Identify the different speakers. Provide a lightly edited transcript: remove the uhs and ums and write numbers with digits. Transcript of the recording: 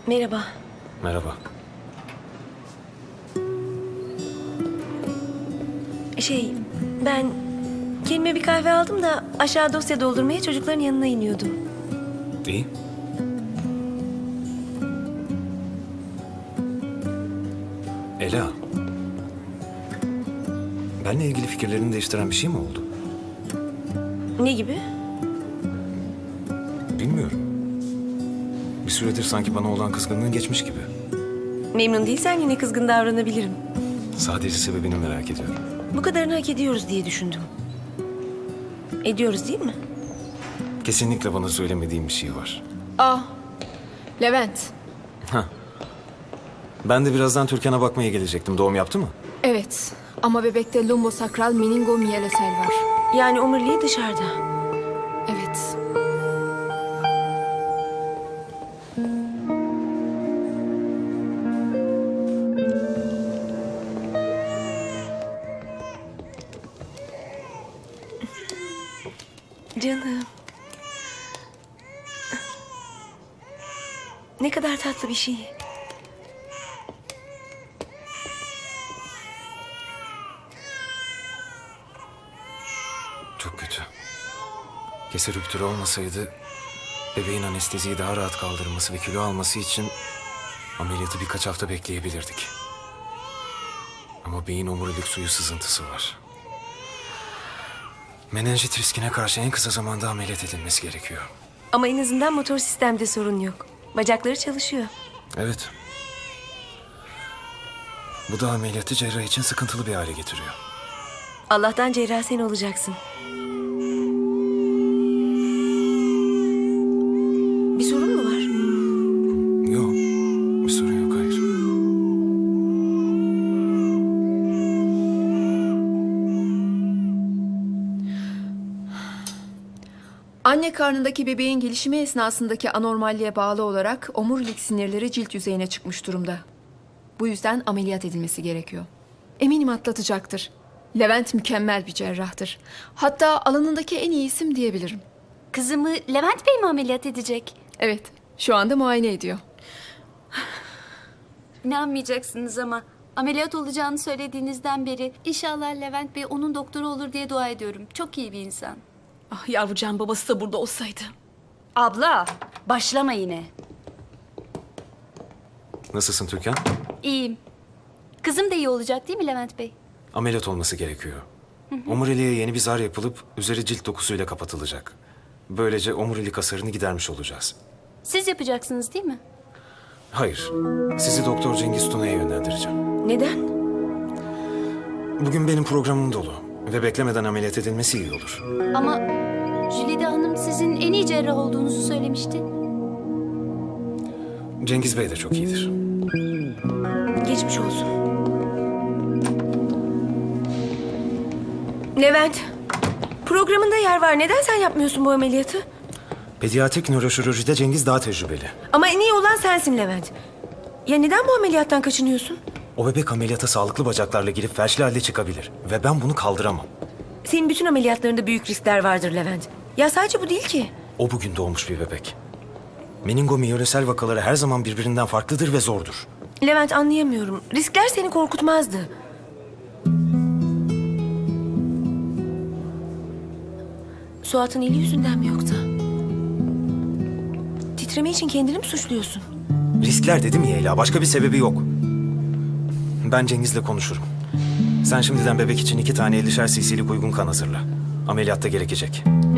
Speaker 1: Merhaba.
Speaker 2: Merhaba.
Speaker 1: Ben kendime bir kahve aldım da aşağı dosya doldurmaya çocukların yanına iniyordum.
Speaker 2: İyi. Ela. Benle ilgili fikirlerini değiştiren bir şey mi oldu?
Speaker 1: Ne gibi?
Speaker 2: Bilmiyorum. Bir süredir sanki bana olan kızgınlığın geçmiş gibi.
Speaker 1: Memnun değilsen yine kızgın davranabilirim.
Speaker 2: Sadece sebebini merak ediyorum.
Speaker 1: Bu kadarını hak ediyoruz diye düşündüm. Ediyoruz değil mi?
Speaker 2: Kesinlikle bana söylemediğin bir şey var.
Speaker 3: Levent.
Speaker 2: Ben de birazdan Türkan'a bakmaya gelecektim. Doğum yaptı mı?
Speaker 3: Evet ama bebekte lumbosakral meningomiyelesel var.
Speaker 1: Yani omuriliği dışarıda.
Speaker 3: Evet.
Speaker 1: Canım. Ne kadar tatlı bir şey.
Speaker 2: Çok kötü. Keser rüptürü olmasaydı bebeğin anesteziyi daha rahat kaldırması ve kilo alması için ameliyatı birkaç hafta bekleyebilirdik. Ama beyin omurilik suyu sızıntısı var. Menenjit riskine karşı en kısa zamanda ameliyat edilmesi gerekiyor.
Speaker 1: Ama en azından motor sistemde sorun yok. Bacakları çalışıyor.
Speaker 2: Evet. Bu da ameliyatı cerrah için sıkıntılı bir hale getiriyor.
Speaker 1: Allah'tan cerrah sen olacaksın. Bir sorun mu var?
Speaker 2: Yok. Bir sorun yok, hayır.
Speaker 3: Anne karnındaki bebeğin gelişimi esnasındaki anormalliğe bağlı olarak omurilik sinirleri cilt yüzeyine çıkmış durumda. Bu yüzden ameliyat edilmesi gerekiyor. Eminim atlatacaktır. Levent mükemmel bir cerrahtır. Hatta alanındaki en iyi isim diyebilirim.
Speaker 4: Kızımı Levent Bey mi ameliyat edecek?
Speaker 3: Evet, şu anda muayene ediyor.
Speaker 4: İnanmayacaksınız ama ameliyat olacağını söylediğinizden beri inşallah Levent Bey onun doktoru olur diye dua ediyorum. Çok iyi bir insan.
Speaker 5: Ah yavrucağın babası da burada olsaydı.
Speaker 4: Abla başlama yine.
Speaker 2: Nasılsın Türkan?
Speaker 4: İyiyim. Kızım da iyi olacak değil mi Levent Bey?
Speaker 2: Ameliyat olması gerekiyor. Omuriliğe yeni bir zar yapılıp üzeri cilt dokusuyla kapatılacak. Böylece omurilik hasarını gidermiş olacağız.
Speaker 4: Siz yapacaksınız değil mi?
Speaker 2: Hayır. Sizi Doktor Cengiz Tuna'ya yönlendireceğim.
Speaker 1: Neden?
Speaker 2: Bugün benim programım dolu ve beklemeden ameliyat edilmesi iyi olur.
Speaker 4: Ama Jülide Hanım sizin en iyi cerrah olduğunuzu söylemişti.
Speaker 2: Cengiz Bey de çok iyidir.
Speaker 1: Geçmiş olsun. Levent, programında yer var. Neden sen yapmıyorsun bu ameliyatı?
Speaker 2: Pediatrik nöroşirurjide Cengiz daha tecrübeli.
Speaker 1: Ama en iyi olan sensin Levent. Ya neden bu ameliyattan kaçınıyorsun?
Speaker 2: O bebek ameliyata sağlıklı bacaklarla girip felçli halde çıkabilir. Ve ben bunu kaldıramam.
Speaker 1: Senin bütün ameliyatlarında büyük riskler vardır Levent. Ya sadece bu değil ki.
Speaker 2: O bugün doğmuş bir bebek. Meningomiyelesel vakaları her zaman birbirinden farklıdır ve zordur.
Speaker 1: Levent anlayamıyorum. Riskler seni korkutmazdı. Suat'ın eli yüzünden mi yoksa? Titreme için kendini mi suçluyorsun?
Speaker 2: Riskler dedim ya Ela, başka bir sebebi yok. Ben Cengiz'le konuşurum. Sen şimdiden bebek için 2 tane 50'şer cc'lik uygun kan hazırla. Ameliyatta gerekecek.